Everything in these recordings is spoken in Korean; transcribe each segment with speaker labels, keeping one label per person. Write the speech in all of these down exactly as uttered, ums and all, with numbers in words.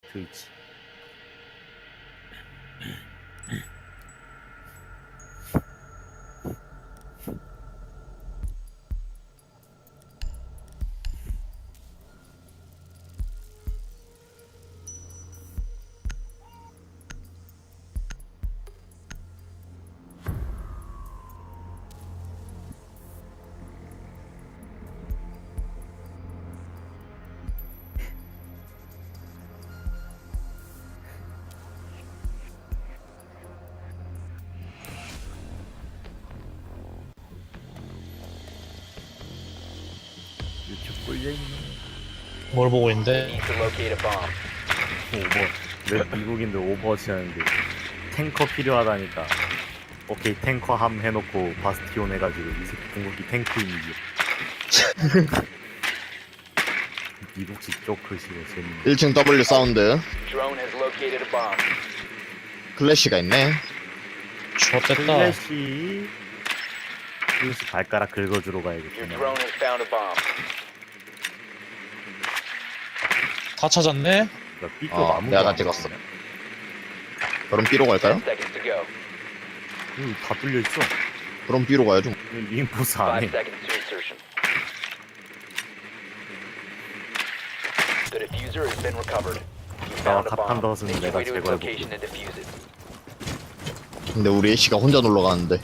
Speaker 1: 트위치. 유튜브 꿀려있네.
Speaker 2: 뭘 보고 있는데?
Speaker 3: Need to locate a bomb.
Speaker 1: 오버. 왜 미국인들 오버워치 하는데 탱커 필요하다니까. 오케이 탱커 함 해놓고 바스티온 해가지고 이 새끼 궁극기 탱크인지. 미국식 조크시고 재밌네.
Speaker 4: 일 층 W 사운드.
Speaker 3: Drone has located a bomb.
Speaker 4: 클래시가 있네.
Speaker 2: 좋됐다.
Speaker 1: 플래시 플래시 발가락 긁어주러
Speaker 3: Your
Speaker 1: 가야겠구나.
Speaker 3: drone has found a bomb.
Speaker 2: 다 찾았네?
Speaker 1: 삐끗
Speaker 4: 어,
Speaker 1: 아무도
Speaker 4: 내가 다
Speaker 1: 안
Speaker 4: 찍었어.
Speaker 1: 보이네.
Speaker 4: 그럼 B로 갈까요?
Speaker 3: Seconds to go.
Speaker 1: 응, 다 뚫려있어.
Speaker 4: 그럼 B로 가야죠.
Speaker 1: 인포스
Speaker 3: Five
Speaker 1: 안해.
Speaker 3: seconds to insertion. The diffuser has been recovered. You found a bomb.
Speaker 1: 카판더스는
Speaker 3: Make your
Speaker 1: 내가
Speaker 3: way to its
Speaker 1: 제거해볼게.
Speaker 3: location and defuse it.
Speaker 4: 근데 우리 애쉬가 혼자 놀러 가는데.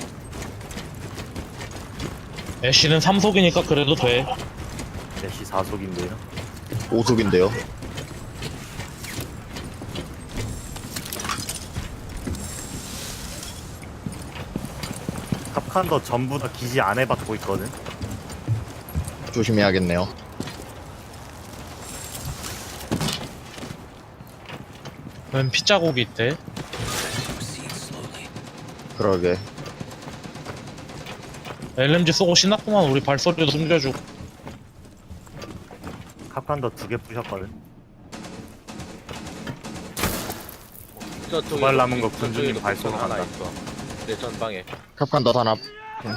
Speaker 2: 애쉬는 삼속이니까 그래도 돼.
Speaker 1: 애쉬 사속인데요.
Speaker 4: 오속인데요.
Speaker 1: 탑칸더 전부 다 기지 안에 받고 있거든.
Speaker 4: 조심해야겠네요.
Speaker 2: 웬 피자국이 있대?
Speaker 4: 그러게.
Speaker 2: 엘엠지 쏘고 신났구만. 우리 발소리도 숨겨주고.
Speaker 1: 탑칸더 두 개 부셨거든.
Speaker 5: 저쪽에
Speaker 1: 두발 남은 거
Speaker 5: 저쪽에도
Speaker 1: 군주님
Speaker 5: 복선
Speaker 1: 발송
Speaker 5: 하나
Speaker 1: 한다.
Speaker 5: 있어. 내 전방에.
Speaker 4: 캡칸더 단합. 응.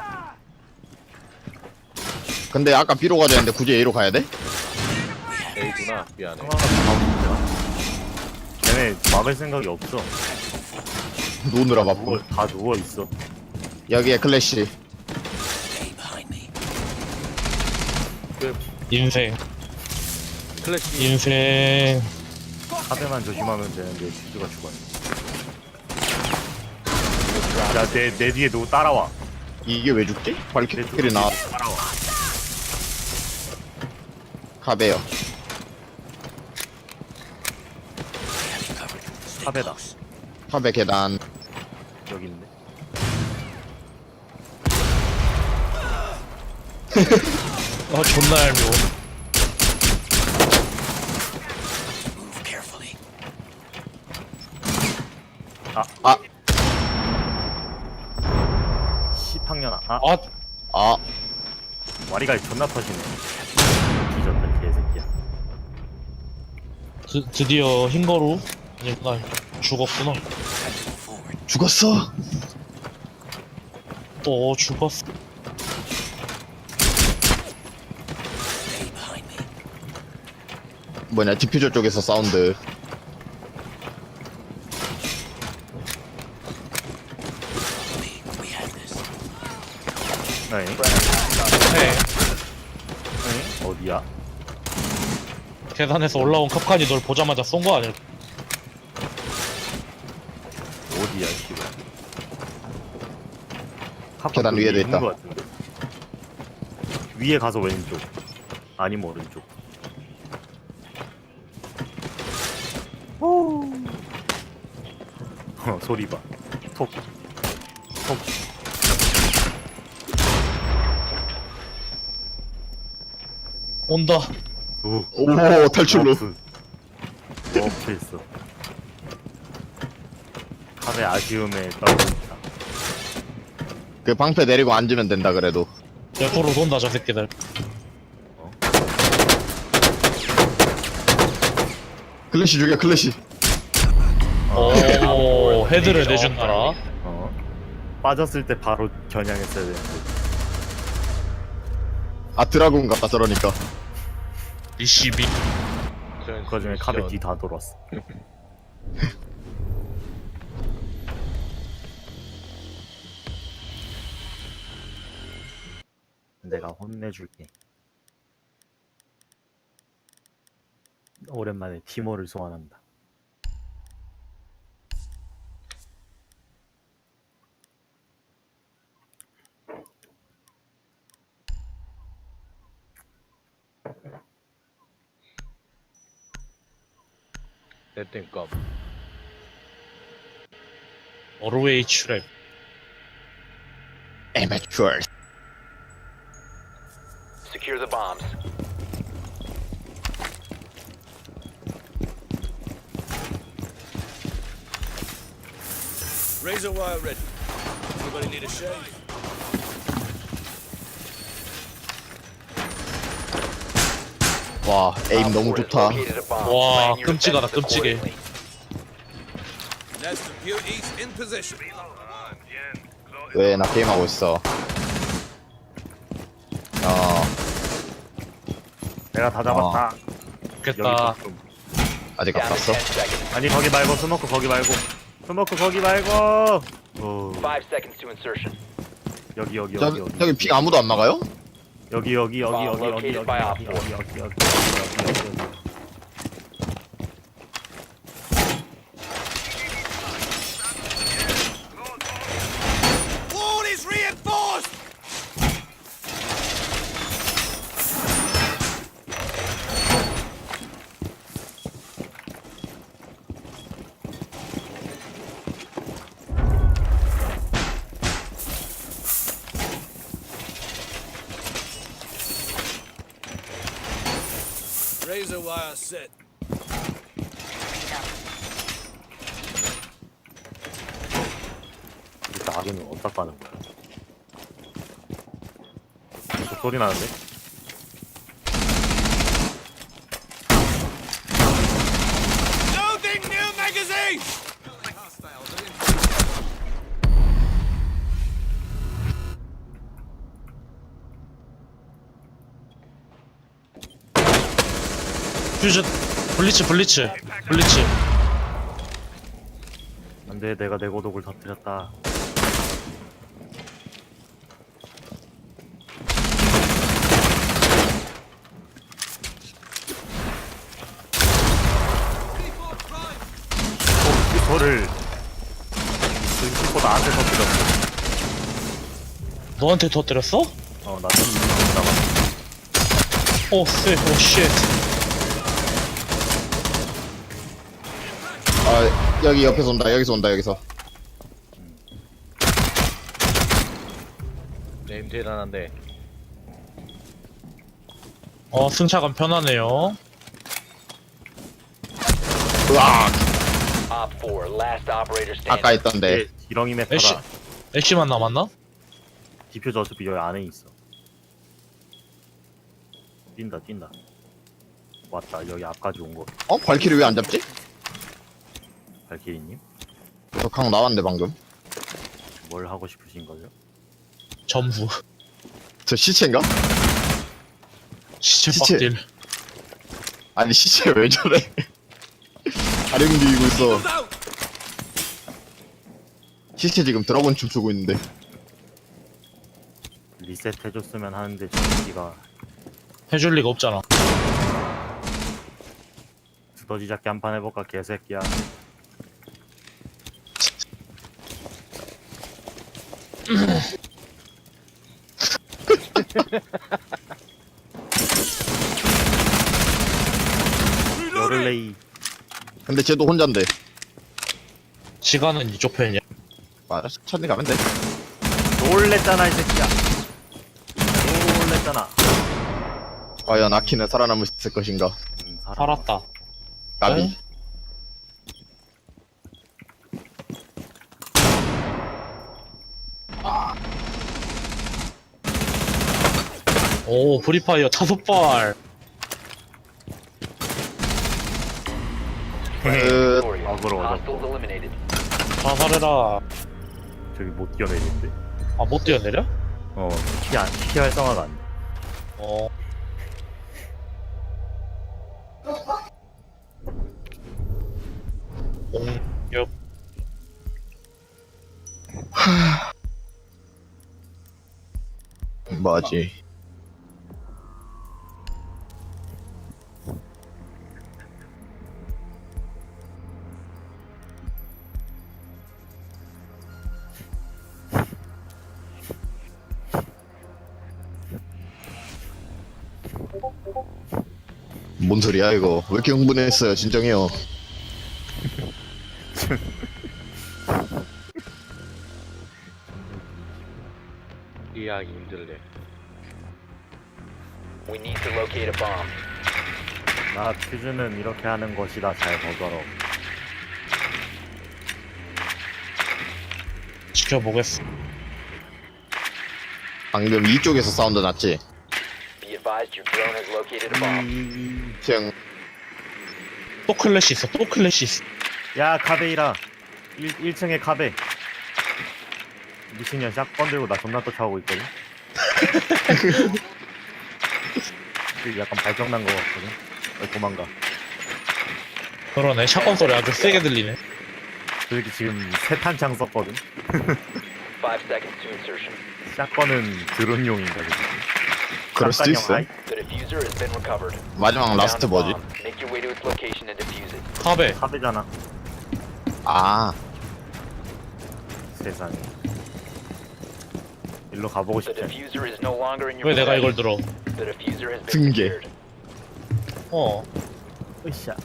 Speaker 4: 근데 아까 B로 가자 했는데 굳이 A로 가야 돼?
Speaker 5: A구나. 미안해.
Speaker 1: 하나가 다 걔네 막을 생각이 없어.
Speaker 4: 누우느라
Speaker 1: 누워,
Speaker 4: 바쁘고.
Speaker 1: 다 누워 있어.
Speaker 4: 여기에 클래시.
Speaker 2: 인생.
Speaker 5: 클래시.
Speaker 2: 인생.
Speaker 1: 카드만 조심하면 되는데 슈즈가 죽었네. 야, 내, 내 뒤에 누구 따라와.
Speaker 4: 이게 왜 죽지?
Speaker 1: 내
Speaker 4: 발키리 나
Speaker 1: 뒤에 따라와.
Speaker 4: 카베요.
Speaker 1: 카베다.
Speaker 4: 카베 계단.
Speaker 1: 여기 있네.
Speaker 2: 아 존나 얄미워.
Speaker 4: 아,
Speaker 1: 십학년아. 아,
Speaker 2: 아
Speaker 4: 아,
Speaker 1: 와리가 존나 터지네. 뒤졌다, 개새끼야.
Speaker 2: 드, 드디어 흰거루? 아니구나. 죽었구나.
Speaker 4: 죽었어.
Speaker 2: 또 죽었어.
Speaker 4: 뭐냐, 디퓨저 쪽에서 사운드.
Speaker 1: 네.
Speaker 2: 네.
Speaker 1: 네? 어디야?
Speaker 2: 계단에서 올라온 컵칸이 널 보자마자 쏜 거 아니야?
Speaker 1: 어디야, 씨발.
Speaker 4: 계단 위에도
Speaker 1: 있는
Speaker 4: 있다.
Speaker 1: 것 같은데. 위에 가서 왼쪽. 아니면 오른쪽. 어, 소리 봐. 톡. 톡.
Speaker 2: 온다.
Speaker 1: 오.
Speaker 4: 오, 탈출로.
Speaker 1: 워프. 워프 했어. 카베 아쉬움에 떨어진다.
Speaker 4: 그 방패 내리고 앉으면 된다 그래도.
Speaker 2: 옆으로 돈다 저 새끼들.
Speaker 4: 클래시 죽여, 클래시.
Speaker 2: 오 헤드를 내준다라.
Speaker 1: 어. 빠졌을 때 바로 겨냥했어야 되는데.
Speaker 4: 아, 드라군 같다 저러니까.
Speaker 2: 리시비.
Speaker 1: 그 중에 카베 뒤 다 돌았어. 내가 혼내줄게. 오랜만에 티모를 소환한다.
Speaker 5: 내땡껌.
Speaker 2: 노르웨이 트랩.
Speaker 4: Amateur.
Speaker 3: Secure the bombs.
Speaker 6: Razor wire ready. Anybody need a shave?
Speaker 4: 와, 에임
Speaker 3: Op
Speaker 4: 너무
Speaker 3: four has
Speaker 4: 좋다.
Speaker 3: located a bomb.
Speaker 2: 와,
Speaker 3: Plan your
Speaker 2: 끔찍하다,
Speaker 3: defenses
Speaker 2: 끔찍해.
Speaker 3: accordingly.
Speaker 6: Nest of beauties in position.
Speaker 4: 왜 나 게임하고 있어? 어,
Speaker 1: 내가 다 잡았다.
Speaker 2: 좋겠다.
Speaker 1: 여기 좀.
Speaker 4: 아직 안
Speaker 3: Down to
Speaker 4: 갔어?
Speaker 3: ten seconds.
Speaker 1: 아니 거기 말고 스모크 거기 말고 스모크 거기 말고. 어,
Speaker 3: Five seconds to insertion.
Speaker 1: 여기 여기
Speaker 4: 저,
Speaker 1: 여기 여기
Speaker 4: 저기 픽 아무도 안 막아요?
Speaker 1: 여기 여기 여기
Speaker 3: Bomb
Speaker 1: 여기 여기
Speaker 3: located
Speaker 1: 여기
Speaker 3: by
Speaker 1: 여기
Speaker 3: Op
Speaker 1: 여기 여기 여기 여기 여기 여기.
Speaker 6: Wall is reinforced! Razor wire set.
Speaker 1: 이 낙은 어디다 까는 거야? 저 소리 나는데?
Speaker 6: Loading new magazine!
Speaker 2: 퓨전. 블리츠, 블리츠. 블리츠.
Speaker 1: 안돼 내가 내 고독을 터뜨렸다. 이거를 이거 나한테 터뜨렸어.
Speaker 2: 너한테 터뜨렸어?
Speaker 1: 어나 지금 이거 남았어.
Speaker 2: 오, 쎄, 오, 쉣.
Speaker 4: 아, 여기 옆에서 온다, 여기서 온다, 여기서.
Speaker 5: 네임 대단한데.
Speaker 2: 어, 승차감 편하네요.
Speaker 4: 으악!
Speaker 3: Op four, last operator standing.
Speaker 4: 아까 있던데.
Speaker 1: 얘 지렁이
Speaker 2: 애쉬,
Speaker 1: 메타다.
Speaker 2: 애쉬만 남았나?
Speaker 1: 디퓨저 어차피 여기 안에 있어. 뛴다 뛴다. 왔다 여기 앞까지 온 거.
Speaker 4: 어? 발키리 왜 안 잡지?
Speaker 1: 발키리님
Speaker 4: 저 강 나왔는데, 방금.
Speaker 1: 뭘 하고 싶으신 거죠?
Speaker 2: 점수.
Speaker 4: 저 시체인가?
Speaker 2: 시체
Speaker 4: 시체.
Speaker 2: 빡딜.
Speaker 4: 아니, 시체 왜 저래? 다리 움직이고 있어.
Speaker 6: Out!
Speaker 4: 시체 지금 드라곤 춤추고 있는데.
Speaker 1: 리셋 해줬으면 하는데 저기가
Speaker 2: 해줄 리가 없잖아.
Speaker 1: 두더지 잡기 한 판 해볼까 개새끼야. 열흘레이.
Speaker 4: 근데 쟤도 혼잔데.
Speaker 2: 시간은 이쪽 편이야.
Speaker 4: 맞아, 천천히 가면 돼.
Speaker 1: 놀랬잖아 이 새끼야. 놀랬잖아.
Speaker 4: 과연 아키는 살아남을 수 있을 것인가?
Speaker 1: 음, 살아.
Speaker 2: 살았다.
Speaker 4: 까비.
Speaker 2: 응? 오, 프리파이어 다섯 발.
Speaker 4: 끝.
Speaker 3: Victorious.
Speaker 1: 어그로
Speaker 3: Hostiles
Speaker 1: 얻었고.
Speaker 3: eliminated.
Speaker 2: 자살해라.
Speaker 1: 저기 못 뛰어내리는데.
Speaker 2: 아, 못 뛰어내려?
Speaker 1: 어, 피, 안, 피 활성화가 안 돼.
Speaker 2: 어. 공격.
Speaker 4: 뭐지? 뭔 소리야 이거? 왜 이렇게 흥분했어요? 진정해요.
Speaker 5: 이해하기 힘들래.
Speaker 3: We need to locate a bomb.
Speaker 1: 나 퓨즈는 이렇게 하는 것이다. 잘 보더러.
Speaker 2: 지켜보겠어.
Speaker 4: 방금 이쪽에서 사운드 났지?
Speaker 3: Be advised your drone has located a bomb.
Speaker 4: 그냥
Speaker 2: 또 클래시 있어. 또 클래시 있어.
Speaker 1: 야 카베이라. 일 층에 카베. 미친년 샷건 들고 나 존나 쫓아오고 있거든. 그 약간 발정난 거 같거든. 왜 도망가?
Speaker 2: 그러네. 샷건 소리 아주 세게 들리네.
Speaker 1: 그렇게 지금 세 탄창 썼거든.
Speaker 3: Five seconds to insertion.
Speaker 1: 샷건은 드론용인가 그지?
Speaker 4: 그럴 수도 있어.
Speaker 3: The diffuser has been recovered.
Speaker 4: 마지막 라스트 뭐지?
Speaker 3: Make your way to its location and defuse it.
Speaker 2: 카베.
Speaker 1: 카베잖아.
Speaker 4: 아,
Speaker 1: 세상에. 일로 가보고
Speaker 3: The
Speaker 1: 싶지.
Speaker 3: diffuser is no longer in your
Speaker 2: 왜 내가 이걸
Speaker 3: possession.
Speaker 2: 들어?
Speaker 3: The diffuser has been
Speaker 4: 등계.
Speaker 3: secured.
Speaker 2: 어.
Speaker 1: 으쌰.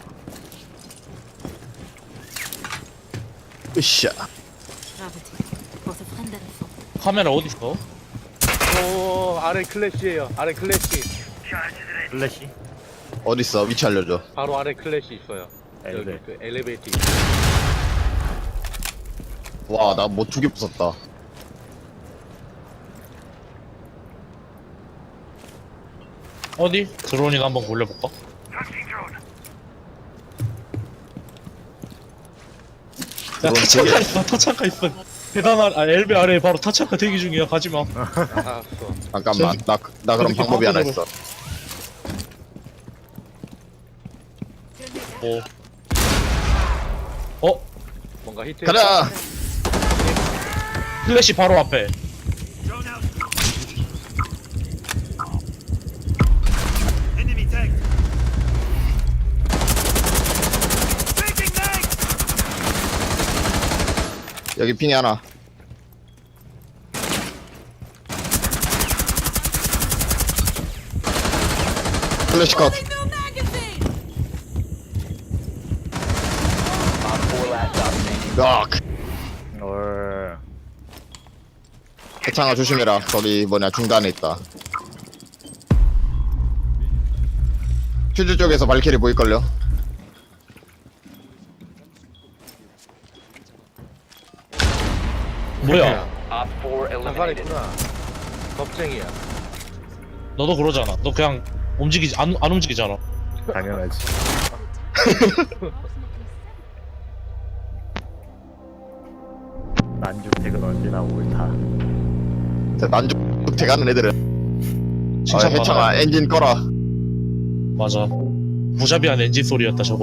Speaker 4: 으쌰.
Speaker 7: Gravity. Votre friend à la fin.
Speaker 2: 카메라 어디 있어?
Speaker 5: 오, 아래 클래시에요. 아래 클래시.
Speaker 1: 플래시.
Speaker 4: 어딨어? 위치 알려줘.
Speaker 5: 바로 아래 클래시 있어요. 여기
Speaker 1: 엘베.
Speaker 5: 그 엘리베이터.
Speaker 4: 와, 나 뭐 두 개 부쉈다.
Speaker 2: 어디? 드론이나 한번 굴려볼까? 야
Speaker 4: 드론
Speaker 2: 타창가
Speaker 4: 되게-
Speaker 2: 있어. 타창가 있어. 대단한. 아 엘베 아래에 바로 타창가 대기 중이야. 가지마.
Speaker 5: 알았어.
Speaker 4: 잠깐만, 나, 나 그럼
Speaker 2: 저렇게
Speaker 4: 방법이 하나
Speaker 2: 방법으로-
Speaker 4: 있어.
Speaker 2: 뭐. 어?
Speaker 5: 뭔가 히트.
Speaker 4: 가자!
Speaker 2: 플래시 바로 앞에.
Speaker 6: Drone out. Enemy tank. Taking tank.
Speaker 4: 여기 핑이 하나. 플래시 컷.
Speaker 7: No magazine!
Speaker 3: Op four last stop standing.
Speaker 4: yak.
Speaker 1: 얼.
Speaker 4: 해창아 조심해라. 거기 뭐냐 중간에 있다. 퓨즈 쪽에서 발키리 보일걸요?
Speaker 2: 뭐야?
Speaker 3: Op four
Speaker 5: 상관
Speaker 3: eliminated.
Speaker 5: 있구나. 겁쟁이야.
Speaker 2: 너도 그러잖아. 너 그냥 움직이지 안, 안 움직이잖아.
Speaker 1: 당연하지. 난주택은 언제나 옳다.
Speaker 4: 난죽 돼가는 애들은. 아,
Speaker 2: 칭찬받아.
Speaker 4: 해창아 엔진 꺼라.
Speaker 2: 맞아. 무자비한 엔진 소리였다 저거.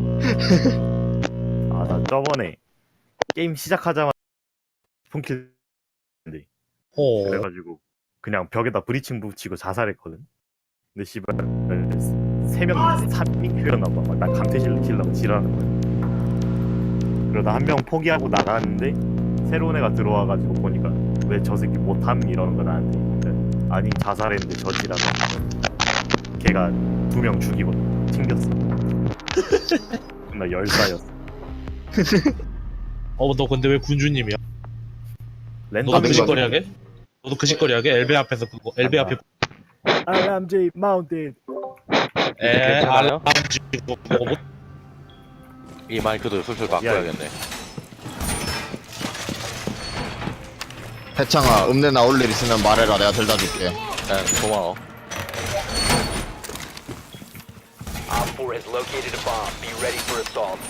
Speaker 1: 아 나 저번에 게임 시작하자마자 폰킬
Speaker 2: 어.
Speaker 1: 그래가지고 그냥 벽에다 브리칭 붙이고 자살했거든. 근데 씨발 세 명, 삼 인 큐였나봐. 막 나 강퇴 시키려고 지랄하는 거야. 그러다 한 명 포기하고 나갔는데 새로운 애가 들어와가지고 보니까 왜 저 새끼 못함 이러는 거 나한테. 그러니까 아니 자살했는데 저지라고. 걔가 두 명 죽이고 튕겼어. 나 열사였어.
Speaker 2: 어, 너 근데 왜 군주님이야? 너도
Speaker 1: 랜덤
Speaker 2: 그
Speaker 4: 거.
Speaker 2: 짓거리 하게? 너도 그 짓거리 하게? 엘베 앞에서 그거 엘베 앞에
Speaker 1: 알람제이 마운틴.
Speaker 2: 에
Speaker 5: 괜찮아요?
Speaker 2: 알람 지고 그거 못
Speaker 5: 이 마이크도 슬슬 바꿔야겠네.
Speaker 4: 해창아 읍내 나올 일 있으면 말해라. 내가 들다 줄게.
Speaker 5: 네, 고마워.
Speaker 3: Op four has located a bomb. Be ready for assault.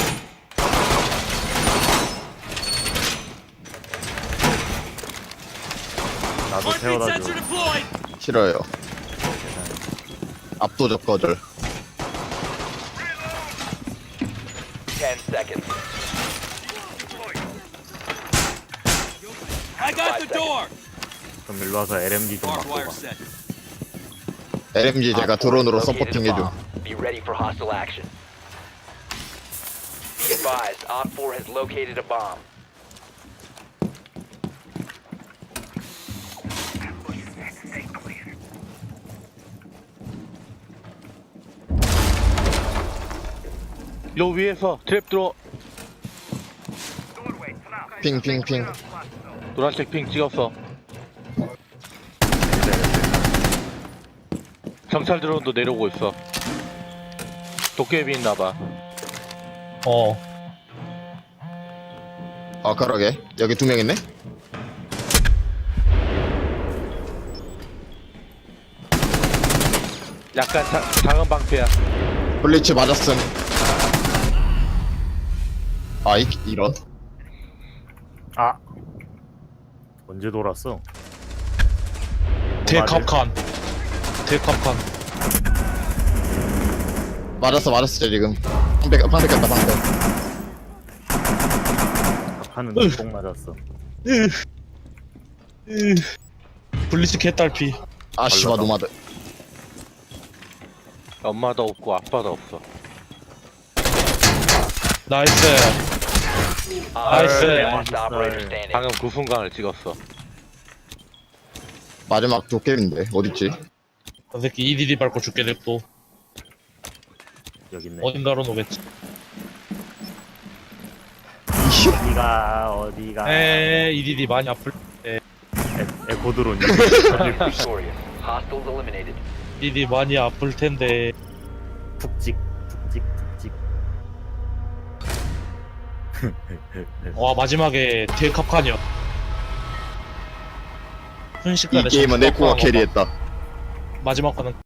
Speaker 1: 나도 태워다 줘.
Speaker 6: deployed.
Speaker 4: 싫어요. 압도적 거절.
Speaker 3: ten seconds.
Speaker 6: I got
Speaker 3: Five
Speaker 6: the door.
Speaker 1: 그럼 일로 와서 엘엠지 좀
Speaker 6: Barbed
Speaker 1: 맞고
Speaker 6: wire
Speaker 1: 가.
Speaker 6: set.
Speaker 4: 엘엠지 제가 드론으로
Speaker 3: Located a
Speaker 4: 서포팅 해줘.
Speaker 3: bomb. Be ready for hostile action. Be advised, Op four has located a bomb.
Speaker 5: 요 위에서 트랩 들어.
Speaker 4: 핑핑핑.
Speaker 5: 노란색 핑 찍었어. 경찰 드론도 내려오고 있어. 도깨비 있나봐.
Speaker 2: 어
Speaker 4: 아 그러게 여기 두 명 있네.
Speaker 5: 약간 자, 작은 방패야.
Speaker 4: 블리츠 맞았음. 아 이, 이런.
Speaker 1: 아 언제 돌았어?
Speaker 2: 대캅칸 대캅칸
Speaker 4: 맞았어 맞았어 지금. 방패 방패 꼈다 방패.
Speaker 1: 하는 똥 맞았어.
Speaker 2: 블리츠 개딸피.
Speaker 4: 아 씨발 노마드.
Speaker 5: 엄마도 없고 아빠도 없어.
Speaker 2: 나이스
Speaker 3: Op
Speaker 2: Nice.
Speaker 3: four last operator standing.
Speaker 5: 방금 그 순간을 찍었어.
Speaker 4: 마지막 도깨비인데 어딨지?
Speaker 2: 저 새끼 이디디 밟고 죽게 냅둬.
Speaker 1: 여기 있네.
Speaker 2: 어딘가로 놓겠지.
Speaker 1: 어디가 어디가?
Speaker 2: 에 이디디 많이 아플.
Speaker 1: 에, 에코드론이.
Speaker 3: Victorious. Hostiles eliminated.
Speaker 2: 이디디 많이 아플 텐데.
Speaker 1: 푹찍 푹찍 푹찍.
Speaker 2: 와 마지막에 대캅칸이야.
Speaker 4: 이
Speaker 2: 순식간에
Speaker 4: 게임은
Speaker 2: 점수
Speaker 4: 에코가
Speaker 2: 깎아먹어.
Speaker 4: 캐리했다.
Speaker 2: 마지막 거는